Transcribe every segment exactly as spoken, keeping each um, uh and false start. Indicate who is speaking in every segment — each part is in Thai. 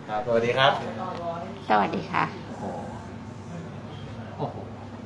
Speaker 1: ครับสวัสดีครับ
Speaker 2: สวัสดีค่ะ
Speaker 1: โอ้โอ้โห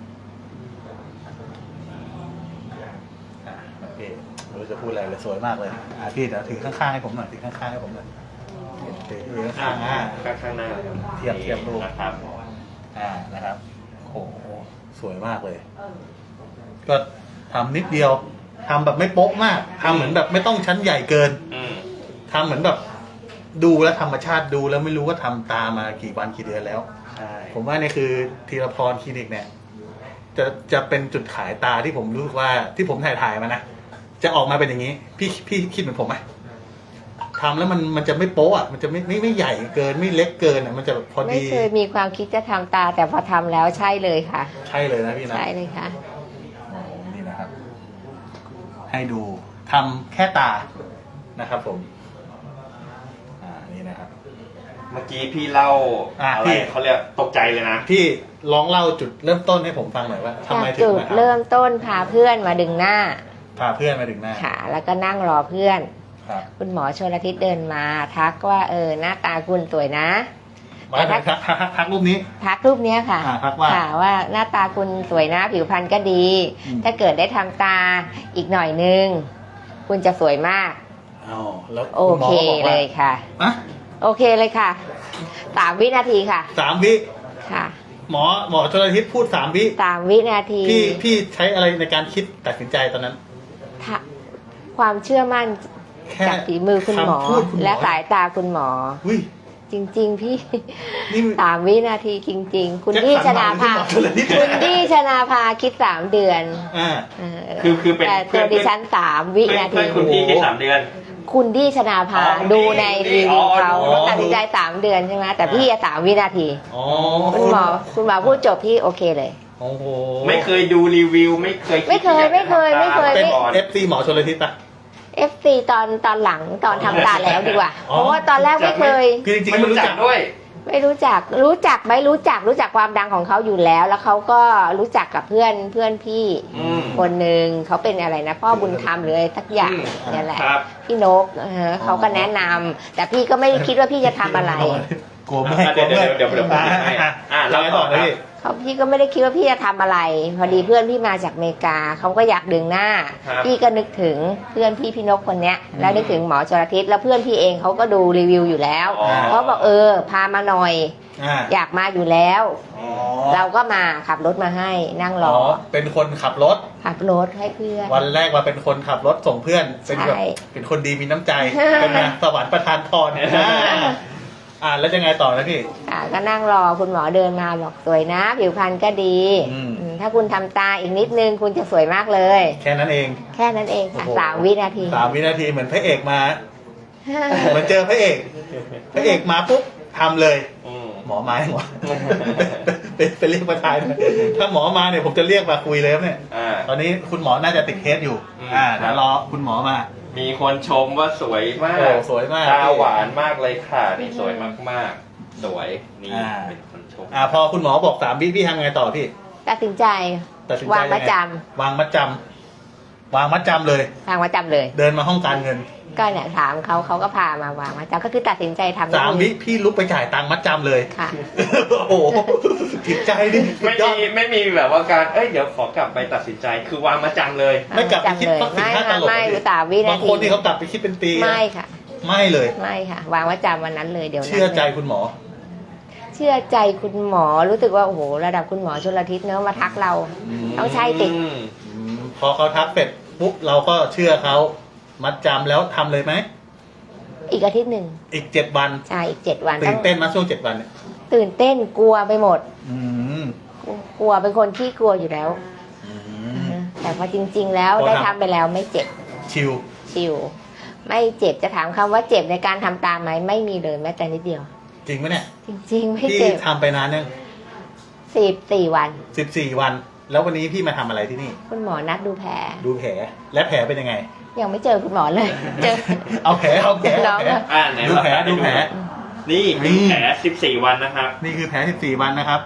Speaker 1: อ่ะโอเคไม่รู้จะพูดอะไรเลยสวยมากเลยอ่ะพี่เดี๋ยวถือข้างๆให้ผมหน่อยถือข้างๆให้ผมหน่อยถือข้างๆอ่ะ
Speaker 3: ข้างข้างหน้า
Speaker 1: เทียบเทียบรูป
Speaker 3: นะครับ
Speaker 1: อ่านะครับโอ้โหสวยมากเลย ก็ทำนิดเดียวทำแบบไม่โป๊ะมากทำเหมือนแบบไม่ต้องชั้นใหญ่เกิน
Speaker 3: อืม
Speaker 1: ทำเหมือนแบบดูแล้วธรรมชาติดูแล้วไม่รู้ว่าทำตามมากี่วันกี่เดือนแล้ว
Speaker 3: ใช่
Speaker 1: ผมว่านี่คือธีรพรคลินิกเนี่ย จะจะเป็นจุดขายตาที่ผมรู้สึกว่าที่ผมถ่ายถ่ายมานะจะออกมาเป็นอย่างนี้ พี่พี่คิดเหมือนผมไหมทำแล้วมันมันจะไม่โป๊ะอ่ะมันจะไม่ไม่ไม่ใหญ่เกินไม่เล็กเกินอ่ะมันจะแบบพอ
Speaker 2: ไม่
Speaker 1: ดี
Speaker 2: เคยมีความคิดจะทำตาแต่พอทำแล้วใช่เลยค่ะ
Speaker 1: ใช่เลยนะพี่นะ
Speaker 2: ใช่เลยค่ะ
Speaker 1: โอ้นี่นะครับ ให้ดูทำแค่ตานะครับผม อ่านี่นะครับ
Speaker 3: เมื่อกี้พี่เล่า
Speaker 1: อ่ะ
Speaker 3: อะไร
Speaker 1: พี่
Speaker 3: เขาเรียกตกใจเลยนะ
Speaker 1: พี่ลองเล่าจุดเริ่มต้นให้ผมฟังหน่อยว่าทำ
Speaker 2: จา
Speaker 1: ไม
Speaker 2: ก
Speaker 1: ถึง
Speaker 2: จุด
Speaker 1: มาท
Speaker 2: เริ่มต้นพาเพื่อนมาดึงหน้า
Speaker 1: ำพาเพื่อนมาถึงหน้า
Speaker 2: ค่ะ แล้วก็นั่งรอเพื่อน
Speaker 1: ครับ
Speaker 2: คุณหมอชลทิศเดินมาทักว่าเออหน้าตาคุณสวยนะ
Speaker 1: มาทักทักทักทักรูปนี้
Speaker 2: ทักรูปเนี้ยค่ะ
Speaker 1: อ่าทักว่า
Speaker 2: ค่ะว่าหน้าตาคุณสวยนะผิวพรรณก็ดี
Speaker 1: อืม
Speaker 2: ถ้าเกิดได้ทำตาอีกหน่อยนึง คุณจะสวยมาก
Speaker 1: อ๋อแล้ว
Speaker 2: โอ
Speaker 1: คุณหมอ
Speaker 2: เค
Speaker 1: ก็บอก
Speaker 2: เล
Speaker 1: ว่าย
Speaker 2: ค่ะ
Speaker 1: อ่ะ
Speaker 2: โอเคเลยค่ะสามวินาทีค่ะ
Speaker 1: สามวิ
Speaker 2: ค่ะ
Speaker 1: หมอหมอชลทิศพูดสามวิ
Speaker 2: สามวินาที
Speaker 1: พี่พี่ใช้อะไรในการคิดตัดสินใจตอนนั้น
Speaker 2: ถ้าความเชื่อมั่น
Speaker 1: แค่
Speaker 2: จากฝีมือคุณหมอ
Speaker 1: คำพูดคุณหมอ
Speaker 2: และสายตาคุณหมอ
Speaker 1: อุ้ย
Speaker 2: จริง ๆ พี่
Speaker 1: นี่
Speaker 2: สามวินาทีจริง ๆ คุณ
Speaker 1: แจ็ค
Speaker 2: ดี้
Speaker 1: สั
Speaker 2: ช
Speaker 1: นหวั
Speaker 2: นาง
Speaker 1: หรือ
Speaker 2: ภา
Speaker 1: คุณหมอชลทิศ
Speaker 2: คุณดี้ชนาภาคิดสามเดือน
Speaker 1: อ่า
Speaker 2: เออ
Speaker 3: คือคือเป็น
Speaker 2: แต่
Speaker 3: เพื่
Speaker 2: ตั
Speaker 3: อ
Speaker 2: วน ดิฉันสามวิ
Speaker 3: เพื่อน
Speaker 2: นา
Speaker 3: เพื่
Speaker 2: ที
Speaker 3: อนคุณพี่แค่สามเดือน
Speaker 2: คุณดี้ชนาภา
Speaker 3: อ๋อคุณดี้
Speaker 2: ดูใน
Speaker 3: คุณดี้
Speaker 2: รีวิวเขา
Speaker 3: อ๋อ
Speaker 2: เขาตัดสินใจสามเดือนใช่ไหมแต่พี่อะสามวินาที
Speaker 1: อ๋อ
Speaker 2: คุณหมอคุณหมอพูดจบพี่โอเคเลย
Speaker 1: โอ้โห
Speaker 3: ไม่เคยดูรีวิว ไม่เคย
Speaker 2: ไม่เคยไม่เคยไม่เคย
Speaker 1: เป็น
Speaker 3: ก่อน
Speaker 1: เอฟซีหมอชลทิศปะ
Speaker 2: เอฟซีตอนตอนหลังตอนทำตาแล้วดีกว่า
Speaker 1: อ๋อ
Speaker 2: เพราะว่าตอนแรกไม่เคย
Speaker 1: คือจริงๆ
Speaker 3: ไม่
Speaker 1: ไม่
Speaker 3: รู้
Speaker 1: รู้
Speaker 3: จั
Speaker 1: จั
Speaker 3: ก
Speaker 1: ก
Speaker 3: ด้วย
Speaker 2: ไม่รู้จักรู้จักไหมรู้จักรู้จักความดังของเขาอยู่แล้ว แล้วเขาก็รู้จักกับเพื่อนเพื่อนพี่
Speaker 3: อืม
Speaker 2: คนหนึ่งเขาเป็นอะไรนะ พ่อบุญธรรมหรืออะไรสักอย่าง
Speaker 3: อืม
Speaker 2: นี่แหละ
Speaker 3: ครับ
Speaker 2: พี่นกเออเขาก็แนะนำแต่พี่ก็ไม่ได้คิดว่าพี่จะทำอะไร
Speaker 1: กลัวไม่กลัว
Speaker 3: เดี๋ยว
Speaker 1: ไม่
Speaker 3: เดี๋ยวเดี๋ยวเดี๋ยวผมให้
Speaker 1: อ่ะ
Speaker 3: อ่ะ
Speaker 1: เรา
Speaker 3: เล่าต่
Speaker 1: ต่
Speaker 3: อ
Speaker 1: อเลยพี่
Speaker 2: เขาพี่ก็ไม่ได้คิดว่าพี่จะทำอะไร พอดีเพื่อนพี่มาจากอเมริกาเขาก็อยากดึงหน้า
Speaker 3: ครับ
Speaker 2: พี่ก็นึกถึงเพื่อนพี่พี่นกคนเนี้ย แล้วนึกถึงหมอชลทิศแล้วเพื่อนพี่เองเขาก็ดูรีวิวอยู่แล้ว
Speaker 3: อ๋อ
Speaker 2: เขาบอกเออพามาหน่อย
Speaker 1: อ่า
Speaker 2: อยากมาอยู่แล้ว
Speaker 1: อ๋อ
Speaker 2: เราก็มาขับรถมาให้นั่งร
Speaker 1: อ๋
Speaker 2: อ
Speaker 1: อเป็นคนขับรถ
Speaker 2: ขับรถให้เพื่อน
Speaker 1: วันแรกมาเป็นคนขับรถส่งเพื่อน เป็นแบบ
Speaker 2: ใช่
Speaker 1: เป็นคนดีมีน้ำใจ เป็นไงสวรรค์ประทานพรอ่าอ่าแล้วจะไงต่อนะพี่
Speaker 2: อ่าก็นั่งรอคุณหมอเดินมาบอกสวยนะ ผิวพรรณก็ดี
Speaker 1: อืม
Speaker 2: อืมถ้าคุณทำตาอีกนิดนึงคุณจะสวยมากเลย
Speaker 1: แค่นั้นเอง
Speaker 2: แค่นั้นเองค่ะ
Speaker 1: โอ้โห
Speaker 2: สามวินาที
Speaker 1: สามวินาทีเหมือนพระเอกมาเหมือนเจอพระเอก พระเอกมาปุ๊บทำเลย
Speaker 3: อืม
Speaker 1: หมอมาให้หมอ เป็นเป็นเรียกมาทายหน่อยถ้าหมอมาเนี่ยผมจะเรียกมาคุยเลยครับเนี่ย
Speaker 3: อ่า
Speaker 1: ตอนนี้คุณหมอน่าจะติดเคสอยู่
Speaker 3: อืม
Speaker 1: อ่าเดี๋ยวรอคุณหมอมา
Speaker 3: มีคนชมว่าสวยมา
Speaker 1: โอ้
Speaker 3: ก
Speaker 1: สวยมาก
Speaker 3: ตาหวานมากเลยค่ะ นี่สวยมากๆ สวยนี่
Speaker 1: อ่า
Speaker 3: เป็นคนชม
Speaker 1: อ่าพอคุณหมอบอกสามวิพี่ทำไงต่อพี่
Speaker 2: ตัดสินใจ
Speaker 1: ตัดสินใจ
Speaker 2: วางมัดจ
Speaker 1: ยังไงวางมัดจำวางมัดจำเลย
Speaker 2: ำวางมัดจำเลย
Speaker 1: เดินมาห้องการเงิน
Speaker 2: ก็เนี่ยถามเขาเขาก็พามาวางมัดจำก็คือตัดสินใจทำ
Speaker 1: สามวิพี่ลุกไปจ่ายตังค์มัดจำเลย
Speaker 2: ค่ะ
Speaker 1: โอ้โหจิตใจดิสุ
Speaker 3: ไม่
Speaker 1: ดยอ
Speaker 3: มี
Speaker 1: ด
Speaker 3: ไม่มีแบบว่าการ เอ้ย เดี๋ยวขอกลับไปตัดสินใจ คือวางมาจังเลย
Speaker 1: ไม่กลับไปคิด
Speaker 2: เลย
Speaker 1: สักสิบ
Speaker 2: ไม่
Speaker 1: ห้าต
Speaker 2: ค่ะ
Speaker 1: ลบ
Speaker 2: ไม่
Speaker 1: เลย
Speaker 2: สามวินา
Speaker 1: บาง
Speaker 2: ที
Speaker 1: คนที่เขากลับไปคิดเป็นปีนะ
Speaker 2: ไม่ค่ะ
Speaker 1: ไม่เลย
Speaker 2: ไม่ค่ะ วางมัดจำวันนั้นเลยเดี๋ยวนั้น
Speaker 1: เชื่อใจ
Speaker 2: ลย
Speaker 1: คุณหมอ
Speaker 2: เชื่อใจคุณหมอรู้สึกว่าโอ้โหระดับคุณหมอชลทิศเนอะมาทักเรา
Speaker 1: อืม
Speaker 2: ต้องใช่ติ
Speaker 3: อืม
Speaker 1: อืมพอเขาทักเสร็จปุ๊บเราก็เชื่อเขามัดจำแล้วทำเลยไหม
Speaker 2: อีกอาทิตย์หนึ่ง
Speaker 1: อีกเจ็ดวัน
Speaker 2: ใช่อีกเจ็ดวัน
Speaker 1: ตื่
Speaker 2: ต้
Speaker 1: น
Speaker 2: อง
Speaker 1: เต้นมาช่วงเจ็ดวันเนี่ย
Speaker 2: ตื่นเต้นกลัวไปหมด
Speaker 1: อืม
Speaker 2: กลัวเป็นคนที่กลัวอยู่แล้ว
Speaker 1: อืม
Speaker 2: แต่พอจริง ๆ แล้ว
Speaker 1: พอทำ
Speaker 2: ได้ทำไปแล้วไม่เจ็บ
Speaker 1: ชิล
Speaker 2: ชิวไม่เจ็บจะถามคำว่าเจ็บในการทำตามไหมไม่มีเลยแม้แต่นิดเดียว
Speaker 1: จริงไหมเนี่ย
Speaker 2: จริง ๆ ไม่
Speaker 1: พี่
Speaker 2: เจ็บ
Speaker 1: ทำไปนานยัง
Speaker 2: สิบสี่วัน
Speaker 1: สิบสี่วัน แล้ววันนี้พี่มาทำอะไรที่นี่
Speaker 2: คุณหมอนัดดูแผล
Speaker 1: ดูแผลและแผลเป็นยังไง
Speaker 2: ยังไม่เจอคุณหมอเลย เจอ
Speaker 1: เอาแผลเอาแผล
Speaker 2: น้
Speaker 1: เอา
Speaker 2: อง
Speaker 1: แผล
Speaker 2: อะ
Speaker 3: อ่าไหน
Speaker 1: ดูแผล
Speaker 3: เรา
Speaker 1: ดูแผล
Speaker 3: นี่
Speaker 1: นี่
Speaker 3: คือแผลสิบสี่วันนะครับ
Speaker 1: นี่คือแผลสิบสี่วันนะครับ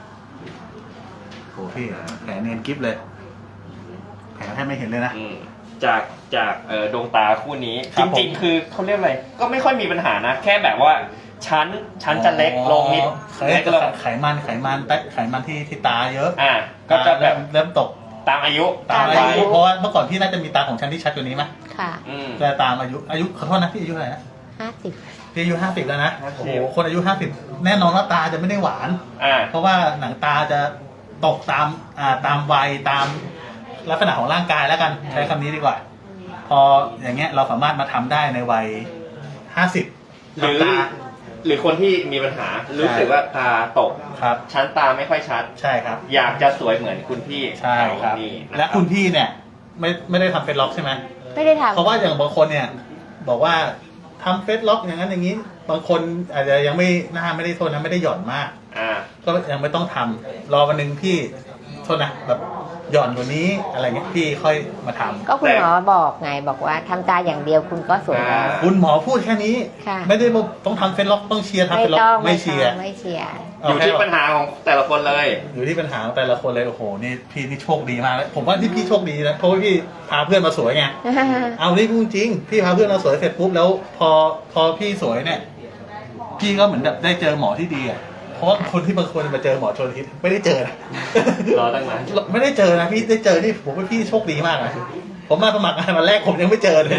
Speaker 1: โหพี่แผลเนียนกิ๊บเลย แผลแทบไม่เห็นเลยนะ
Speaker 3: อืมจากจากเอ่อดวงตาคู่นี้
Speaker 1: ครั
Speaker 3: จ
Speaker 1: บผม
Speaker 3: ริงๆ คือเขาเรียกอะไรก็ไม่ค่อยมีปัญหานะ แค่แบบว่าชั้นชั้นจะเล็กลงนิด
Speaker 1: ไข
Speaker 3: เล็กลง
Speaker 1: ไขมันไขมันแป๊ะไขมันที่ที่ตาเยอะ
Speaker 3: อ่าก็จะแบบ
Speaker 1: เริ่มเริ่มตก
Speaker 3: ตามอายุ
Speaker 1: ตาม
Speaker 2: ตาม
Speaker 1: อา
Speaker 2: อายุ
Speaker 1: ยุเพราะว่าเมื่อก่อนพี่น่าจะมีตาของฉันที่ชัดกว่านี้ไหม
Speaker 2: ค่ะ
Speaker 3: อืม
Speaker 1: แต่ตามอายุอายุขอโทษนะพี่อายุเท่าไหร่นะ
Speaker 2: ห้าสิบ
Speaker 1: พี่อายุห้าสิบแล้วนะ
Speaker 3: ห้าสิบ
Speaker 1: โอ้โหคนอายุห้าสิบแน่นอนว่าตาจะไม่ได้หวาน
Speaker 3: อ่า
Speaker 1: เพราะว่าหนังตาจะตกตามอ่าตามวัยตามลักษณะของร่างกายแล้วกันใช้คำนี้ดีกว่า พออย่างเงี้ยเราสามารถมาทำได้ในวัยห้าสิบ
Speaker 3: หรือ
Speaker 1: ตา
Speaker 3: หรือคนที่มีปัญหารู้สึกว่าตาตก
Speaker 1: ครับ
Speaker 3: ชั้นตาไม่ค่อยชัด
Speaker 1: ใช่ครับ
Speaker 3: อยากจะสวยเหมือนคุณพี่
Speaker 1: ใช่ครับ
Speaker 3: นี่นะ
Speaker 1: และคุณพี่เนี่ยไม่ไม่ได้ทำเฟซล็อกใช่ไหม
Speaker 2: ไม่ได้ทำ
Speaker 1: เพราะว่าอย่างบางคนเนี่ยบอกว่าทำเฟซล็อกอย่างนั้นอย่างนี้ บางคนอาจจะยังไม่หน้าไม่ได้โทษนะไม่ได้หย่อนมาก
Speaker 3: อ่า
Speaker 1: ก็ยังไม่ต้องทำรอวันหนึ่งพี่โทษนะแบบหย่อนกว่านี้อะไรเงี้ยพี่ค่อยมาทำ
Speaker 2: ก็คุณหมอบอกไงบอกว่าทำตาอย่างเดียวคุณก็สวยแล้ว
Speaker 3: อ่า
Speaker 1: คุณหมอพูดแค่นี้
Speaker 2: ค่ะ
Speaker 1: ไม่ได้บอกต้องทำเฟซล็อกต้องเชียร์ทำ
Speaker 2: ไม่
Speaker 1: เฟซล็อ
Speaker 2: ต้อง
Speaker 1: กไม่เชียร์
Speaker 2: ไม่เชียร์
Speaker 3: อยู่ที่ปัญหาของแต่ละคนเลย
Speaker 1: อยู่ที่ปัญหาของแต่ละคนเลยโอ้โหนี่พี่นี่โชคดีมากเลยผมว่าที่พี่โชคดีนะเพราะว่าพี่พาเพื่อนมาสวยไง เอานี่พูดจริงพี่พาเพื่อนมาสวยเสร็จปุ๊บแล้วพอพอพี่สวยเนี่ย พี่ก็เหมือนแบบได้เจอหมอที่ดีอ่ะเพราะว่าคนที่บางคนมาเจอหมอชนทิศไม่ได้เจอนะ
Speaker 3: รอตั้งนาน
Speaker 1: ไม่ได้เจอนะพี่ได้เจอนี่ผมว่าพี่โชคดีมากนะผมมาสมัครงานวันแรกผมยังไม่เจอเลย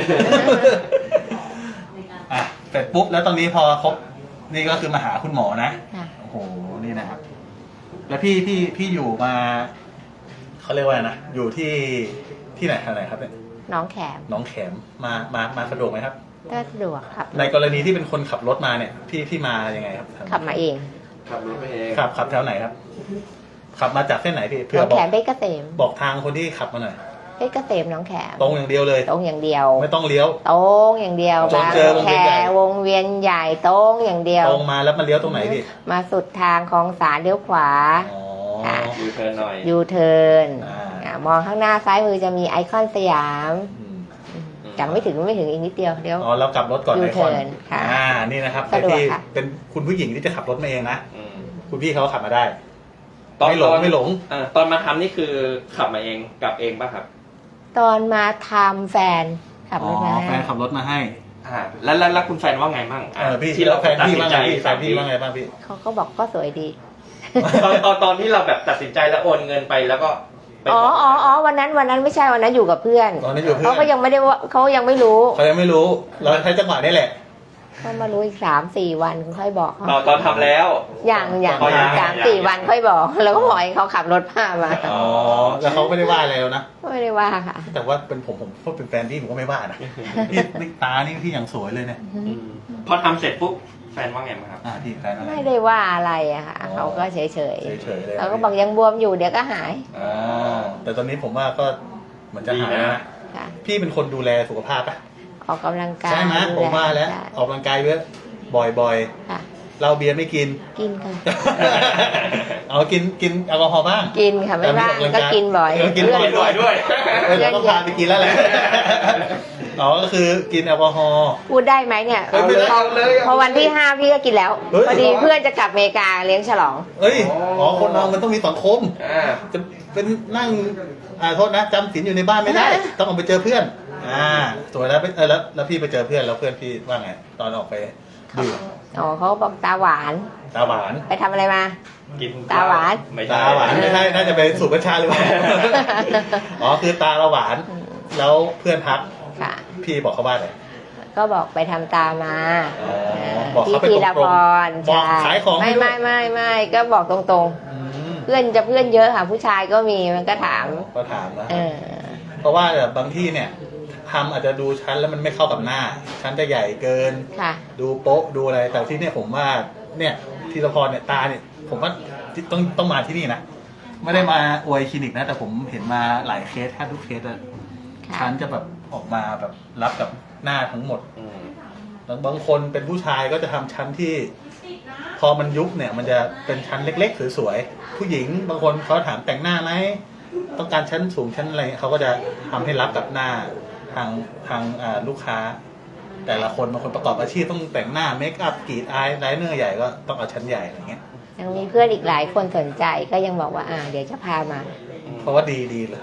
Speaker 1: อ่ะเสร็จปุ๊บแล้วตอนนี้พอครบนี่ก็คือมาหาคุณหมอนะ
Speaker 2: ค่ะ
Speaker 1: โอ้โหนี่นะครับ แล้วพี่พี่พี่อยู่มาเขาเรียกว่าอะไรนะอยู่ที่ที่ไหนอะไรครับเนี่ย
Speaker 2: น้องแขม
Speaker 1: หน้องแขมมามามาสะดวกไหมครับ
Speaker 2: ก็สะดวกครับ
Speaker 1: ในกรณีที่เป็นคนขับรถมาเนี่ย พี่พี่มายังไงครับ
Speaker 2: ขับมาเอง
Speaker 3: ขับรถไปเอง
Speaker 1: ขับขับแถวไหนครับ ขับมาจากเส้นไหนพี่เพื่
Speaker 2: น้
Speaker 1: อ
Speaker 2: อง
Speaker 1: บอ
Speaker 2: แข
Speaker 1: ก
Speaker 2: มเพชรเกษม
Speaker 1: บอกทางคนที่ขับมาหน่อย
Speaker 2: เพชรเกษมน้องแขม
Speaker 1: ตรงอย่างเดียวเลย
Speaker 2: ตรงอย่างเดียว
Speaker 1: ไม่ต้องเลี้ยว
Speaker 2: ตรงอย่างเดียว
Speaker 1: จน
Speaker 2: บาง
Speaker 1: เจอวง
Speaker 2: แค
Speaker 1: เวียนใหญ่
Speaker 2: วงเวียนใหญ่ตรงอย่างเดียว
Speaker 1: ตรงมาแล้วมาเลี้ยวตรงไหนพี่
Speaker 2: มาสุดทางของสารเลี้ยวขวา
Speaker 1: อ๋อ
Speaker 2: ค่ะ
Speaker 3: ดูเธอหน่อย
Speaker 2: ยูเทิร์น
Speaker 1: อ่า
Speaker 2: อ่ามองข้างหน้าซ้ายมือจะมีไอคอนสยาม
Speaker 1: อืม
Speaker 2: จังไม่ถึงไม่ถึงอีกนิดเดียวเดี๋ยว
Speaker 1: อ๋อเรากลับรถก่อน
Speaker 2: ยู
Speaker 1: ไอคอน
Speaker 2: เทิร์นค่ะ
Speaker 1: อ่านี่นะครับ
Speaker 2: สะดวก
Speaker 1: ที่
Speaker 2: ค่ะ
Speaker 1: เป็นคุณผู้หญิงที่จะขับรถมาเองนะ
Speaker 3: อืม
Speaker 1: คุณพี่เขาขับมาได้
Speaker 3: ตอน
Speaker 1: ไม่หลง
Speaker 3: ตอน
Speaker 1: ไม่หลง
Speaker 3: อ่าตอนมาทำนี่คือขับมาเองกลับเองป่ะครับ
Speaker 2: ตอนมาทำแฟนขับรถมา
Speaker 1: อ๋อแฟ
Speaker 2: ให้
Speaker 1: นขับรถมาให้
Speaker 3: อ่าแล้วแล้วแล้วคุณแฟนว่าไงบ้าง
Speaker 1: เออพี่
Speaker 3: ที่เรา
Speaker 1: แฟนพี่ว่าไงพี่แฟ
Speaker 3: ตัด
Speaker 1: น
Speaker 3: สิ
Speaker 1: พี่
Speaker 3: นใจ
Speaker 1: ว่าไงบ้างพี่
Speaker 2: เขาก็บอกก็สวยดี
Speaker 3: ตอนตอนตอนที่เราแบบตัดสินใจแล้วโอนเงินไปแล้วก็ไป
Speaker 2: อ๋อ
Speaker 3: บอก
Speaker 2: อ๋ออ๋อวันนั้นวันนั้นไม่ใช่วันนั้นอยู่กับเพื่อน
Speaker 1: ตอนนี้อยู่เพื่
Speaker 2: เขา
Speaker 1: อน
Speaker 2: ก็ยังไม่ได้ว่าเขายังไม่รู้
Speaker 1: เขายังไม่รู้ เราใช้จังหวะนี้แหละ
Speaker 2: เขามารู้อีกสามสี่วันค่อยบอกเขา
Speaker 3: ตอนตอนทำแล้ว
Speaker 2: อย่างอย่าง
Speaker 3: อ๋อยัง
Speaker 2: สาม
Speaker 3: ยัง
Speaker 2: สี่
Speaker 3: ยัง
Speaker 2: วันค่อยบอก แล้วก็ปล่อยให้เขาขับรถพามา
Speaker 1: อ๋อแล้วเขาไม่ได้ว่าอะไรแล้วนะ
Speaker 2: ไม่ได้ว่าค่ะ
Speaker 1: แต่ว่าเป็นผมผมก็เป็นแฟนพี่ผมก็ไม่ว่านะพี่นี่ตานี่พี่อย่างสวยเลยเนี่ย
Speaker 3: อืมพอทำเสร็จปุ๊บแฟนว่าไงบ้างครับ
Speaker 1: อ่าพี่แฟนอะไร
Speaker 2: ไม่ได้ว่าอะไรอะค่ะ
Speaker 1: อ๋อ
Speaker 2: เขาก็เฉยเฉย
Speaker 1: เฉยๆเลย
Speaker 2: เขาก็บอกยังบวมอยู่เดี๋ยวก็หาย
Speaker 1: อ๋อแต่ตอนนี้ผมว่าก็เหมือนจะหาย
Speaker 3: ดี
Speaker 1: แล้ว
Speaker 3: นะ
Speaker 1: นะ
Speaker 2: ค่ะ
Speaker 1: พี่เป็นคนดูแลสุขภาพปะ
Speaker 2: ออกกำลังกาย
Speaker 1: ใช่ไหม
Speaker 2: ดู
Speaker 1: ผมว่าแล้ว
Speaker 2: ใช่
Speaker 1: ออกกำลังกายเยอะบ่อย
Speaker 2: ค่ะ
Speaker 1: ๆเหล้าเบียร์ไม่กิน
Speaker 2: กินค่ะ
Speaker 1: เอากินกินแอลกอฮอล์บ้าง
Speaker 2: กินค่ะไม่บ้างก็กินบ่อย
Speaker 1: เออกินบ่อย
Speaker 2: เพื่
Speaker 3: ด้วยด้วย
Speaker 1: เออเดี๋ยวต้องพาไปกินแล้วแหละ อ๋อก็คือกินแอลกอฮอล์
Speaker 2: พูดได้ไหมเนี่ย
Speaker 1: เฮ้ยไม่ได้
Speaker 2: พอ
Speaker 3: เอาเลย
Speaker 2: พอวันที่ห้าพี่ก็กินแล้ว
Speaker 1: เฮ้ย
Speaker 2: พอดีเพื่อนจะกลับอเมริกาเลี้ยงฉลอง
Speaker 1: เอ้ยอ๋อคนเรามันต้องมีสังคม
Speaker 3: อ่า
Speaker 1: จะเป็นนั่งอ่าโทษนะจำศีลอยู่ในบ้านไม่ได้ ต้องออกไปเจอเพื่อน อ่าสวยแล้วไปเออแล้วแล้วพี่ไปเจอเพื่อนแล้วเพื่อนพี่ว่าไง ตอนออกไปดื่ม
Speaker 2: อ๋อเขาบอกตาหวาน
Speaker 1: ตาหวาน
Speaker 2: ไปทำอะไรมา
Speaker 3: กิน
Speaker 2: ตาหวาน
Speaker 3: ไม่ใช่
Speaker 1: ตาหวานไม่ใช่น่าจะไปสูบกัญชาหรือเปล่า อ๋อคือตาเราหวาน แล้วเพื่อนทัก
Speaker 2: ค่ะ
Speaker 1: พี่บอกเขาว่าอะไร
Speaker 2: ก็บอกไปทำตามา
Speaker 1: อ๋อบอก
Speaker 2: ที่
Speaker 1: เขาไป
Speaker 2: พี
Speaker 1: ต
Speaker 2: ร
Speaker 1: ร
Speaker 2: พ
Speaker 1: ง
Speaker 2: ร
Speaker 1: ๆบอกขายของให้
Speaker 2: ไม่
Speaker 1: ด้วย
Speaker 2: ไม่ไม่ไม่ก็บอกตรง
Speaker 1: อืม
Speaker 2: ๆ เพื่อนจะเพื่อนเยอะค่ะ ผู้ชายก็มีมันก็ถาม
Speaker 1: ก็ถามนะ
Speaker 2: เออ
Speaker 1: เพราะว่าแบบบางที่เนี่ยทำอาจจะดูชั้นแล้วมันไม่เข้ากับหน้า ชั้นจะใหญ่เกิน
Speaker 2: ค่ะ
Speaker 1: ดูโป๊ะดูอะไร แต่ที่เนี่ยผมว่าเนี่ยธีรพรเนี่ยตาเนี่ย ผมว่าต้องต้องมาที่นี่นะ ไม่ได้มาอวยคลินิกนะ แต่ผมเห็นมาหลายเคสแทบทุกเคสอะ
Speaker 2: ค่ะ
Speaker 1: ชั้นจะแบบออกมาแบบรับกับหน้าทั้งหมด
Speaker 3: อืม
Speaker 1: แล้วบางคนเป็นผู้ชายก็จะทำชั้นที่ พอมันยุบเนี่ย มันจะเป็นชั้นเล็กๆสวยๆผู้หญิงบางคนเขาถามแต่งหน้าไหมต้องการชั้นสูงชั้นอะไรเขาก็จะทำให้รับกับหน้าทางทางอ่าลูกค้า แต่ละคนบางคนประกอบอาชีพต้องแต่งหน้าเมคอัพกรีดอายไลเนอร์ใหญ่ก็ต้องเอาชั้นใหญ่อะไรเงี้ย
Speaker 2: ยังมีเพื่อนอีกหลายคนสนใจก็ยังบอกว่าอ่าเดี๋ยวจะพามา
Speaker 1: เพราะว่าดีดีเลย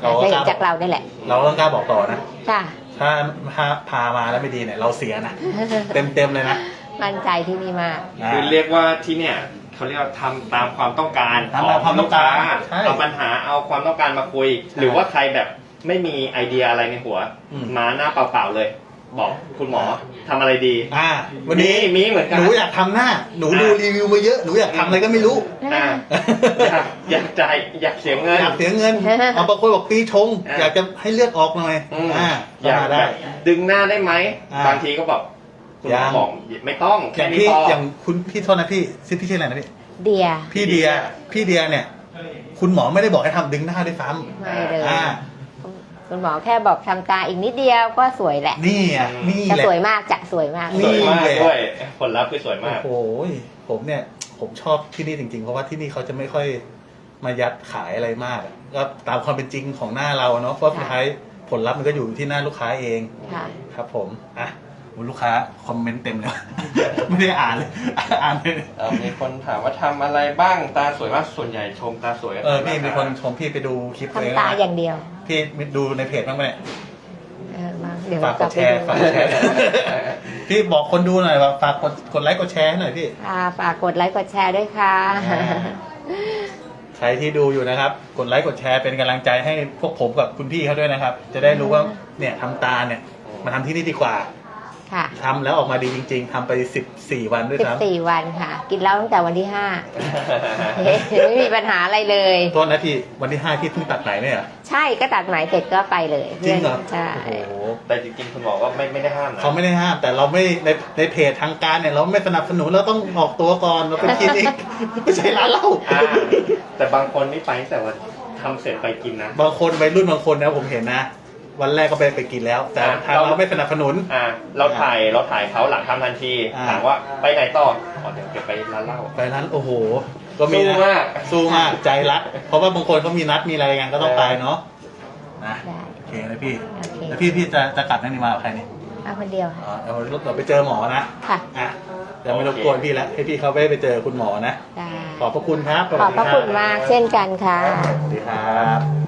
Speaker 1: เราก็
Speaker 2: ได้
Speaker 1: ก
Speaker 2: เห็
Speaker 1: ล้าน
Speaker 2: จากเราได้แหละ
Speaker 1: เราก็ต้องกล้าบอกต่อนะ
Speaker 2: ค่ะ
Speaker 1: ถ้าถ้าพามาแล้วไม่ดีเนี่ยเราเสียนะ เต็มเต็มๆเลยนะ
Speaker 2: มั่นใจที่นี่มาก
Speaker 3: คือเรียกว่าที่เนี่ยเขาเรียกว่าทำตามความต้องการ
Speaker 1: ทำตามความต้องการ
Speaker 3: ขลูค้
Speaker 1: ใช่
Speaker 3: เอาปัญหาเอาความต้องการมาคุย หรือว่าใครแบบไม่มีไอเดียอะไรในหัว
Speaker 1: อืม
Speaker 3: มาหน้าเปล่าๆเลย บอกคุณหมอทำอะไรดี
Speaker 1: อ่า วันนี้
Speaker 3: มีมีเหมือนกัน
Speaker 1: หนูอยากทำหน้า หนูดู
Speaker 3: อ่า
Speaker 1: รีวิวมาเยอะหนูอยากทำอะไรก็ไม่รู้
Speaker 3: อ่าอยากอยากจ่ายอยากเสียเงิน
Speaker 1: อยากเสียเงิน เอาบางคนบอกปีชง
Speaker 3: อ่า
Speaker 1: อยากจะให้เลือดออกหน่อย
Speaker 3: อืม
Speaker 1: อ่า
Speaker 3: อยาก
Speaker 1: มา
Speaker 3: แบ
Speaker 1: ได้
Speaker 3: บดึงหน้าได้ไหม
Speaker 1: อ่า
Speaker 3: บางทีก็บอกคุณหมอ
Speaker 1: ยัง
Speaker 3: บอกไม่ต้อง
Speaker 1: อ
Speaker 3: แค่
Speaker 1: ย่าง
Speaker 3: นี้
Speaker 1: พี่
Speaker 3: พอ
Speaker 1: อย่างคุณพี่โทษนะพี่ชื่อพี่ชื่ออะไรนะพี่
Speaker 2: เดีย
Speaker 1: พี่เดีย พี่เดียเนี่ย คุณหมอไม่ได้บอกให้ทำดึงหน้าด้วยซ้
Speaker 2: ไม่เลย
Speaker 1: ำอ่า
Speaker 2: คุณหมอแค่บอกทำตาอีกนิดเดียวก็สวยแหละ
Speaker 1: นี่อ่ะนี่
Speaker 2: จะ
Speaker 1: แหละ
Speaker 2: สวยมากจะสวยมาก
Speaker 1: นี่
Speaker 3: สวยมาก
Speaker 1: แหละ
Speaker 3: ด้วยผลลัพธ์คือสวยมาก
Speaker 1: โอ้โหผมเนี่ยผมชอบที่นี่จริงๆ เพราะว่าที่นี่เขาจะไม่ค่อยมายัดขายอะไรมากอะก็ตามความเป็นจริงของหน้าเราเนาะเพราะสุดท้ายผลลัพธ์มันก็อยู่ที่หน้าลูกค้าเอง
Speaker 2: ค่ะ
Speaker 1: ครับผมอ่ะโอ้ลูกค้าคอมเมนต์เต็มเลย ไม่ได้อ่านเลย อ่านเลย
Speaker 3: เอ่อมีคนถามว่าทำอะไรบ้างตาสวยมากส่วนใหญ่ชมตาสวยกัน
Speaker 1: เออพี่มีคนชมพี่ไปดูคลิปตัวเอง
Speaker 2: ทำตา
Speaker 1: นะ
Speaker 2: อย่างเดียว
Speaker 1: พี่ดูในเพจบ้างไหมเนี่ย
Speaker 2: เออมาเดี๋ยว
Speaker 1: ฝาก
Speaker 2: ก
Speaker 1: ก
Speaker 2: ลับ
Speaker 1: ด
Speaker 2: ไป
Speaker 1: แชร์
Speaker 2: ดู
Speaker 1: ฝากกดแชร์ พี่บอกคนดูหน่อยว่าฝากกดกดไลค์กดแชร์ให้หน่อยพี่
Speaker 2: ค่ะฝากกดไลค์กดแชร์ด้วยค่ะ
Speaker 1: ใครที่ดูอยู่นะครับ กดไลค์กดแชร์เป็นกำลังใจให้พวกผมกับคุณพี่เขาด้วยนะครับ จะได้รู้ว่าเนี่ยทำตาเนี่ยมาทำที่นี่ดีกว่า
Speaker 2: ค่ะ
Speaker 1: ทำแล้วออกมาดีจริง ๆทำไปสิบสี่วันด้วย
Speaker 2: สิบ
Speaker 1: ซ้ำ
Speaker 2: สี่วันค่ะ กินเหล้าตั้งแต่วันที่ห้า ไม่มีปัญหาอะไรเลย
Speaker 1: โทษนะพี่วันที่ห้าพี่เพิ่งตัดไหนเนี่ยเหรอ
Speaker 2: ใช่ก็ตัดไหมเสร็จก็ไปเลย
Speaker 1: จริงเหรอ
Speaker 2: ใช่
Speaker 1: โอ้โห
Speaker 3: แต่จริงๆคุณหมอก็ไม่ไม่ได้ห้ามนะ
Speaker 1: เขาไม่ได้ห้ามแต่เราไม่ในในเพจทางการเนี่ยเราไม่สนับสนุนเราต้องออกตัวก่อนเราเป็นคลินิก ไม่ใช่ร้านเหล้า
Speaker 3: อ่าแต่บางคนนี่ไปตั้งแต่วันทำเสร็จไปกินนะ
Speaker 1: บางคนวัยรุ่นบางคนนะผมเห็นนะ วันแรกก็ไปไปกินแล้ว แต่
Speaker 3: อ่ะ
Speaker 1: ทางเราไม่สนับสนุน
Speaker 3: อ่าเราถ่ายเราถ่ายเขาหลังทำทันที
Speaker 1: อ่า
Speaker 3: ถามว่าไปไหนต่ออ๋อเดี๋ยวเดี๋ยวไปร้านเหล้า
Speaker 1: ไปร้านโอ้โห ก็มีนะ
Speaker 3: สู้มาก
Speaker 1: สู้มากใจรัก เพราะว่าบางคนเขามีนัดมีอะไรกันก็ต้องไปเนาะนะ
Speaker 2: ได้
Speaker 1: โอเคนะพี่
Speaker 2: โอเค
Speaker 1: แล้วพี่พี่จะจะกลับนั่นนี่มากับใครนี่
Speaker 2: เอาคนเดียวค่ะ
Speaker 1: อ๋อเอาเราไปเจอหมอนะ
Speaker 2: ค่ะ
Speaker 1: อ่ะเดี๋ยวไม่รบกวนพี่แล้วให้พี่เขาไปไปเจอคุณหมอนะ
Speaker 2: ได้
Speaker 1: ขอบพระคุณครับ
Speaker 2: ขอบพระคุณมากเช่นกันค่ะ
Speaker 1: สวัสดีครับ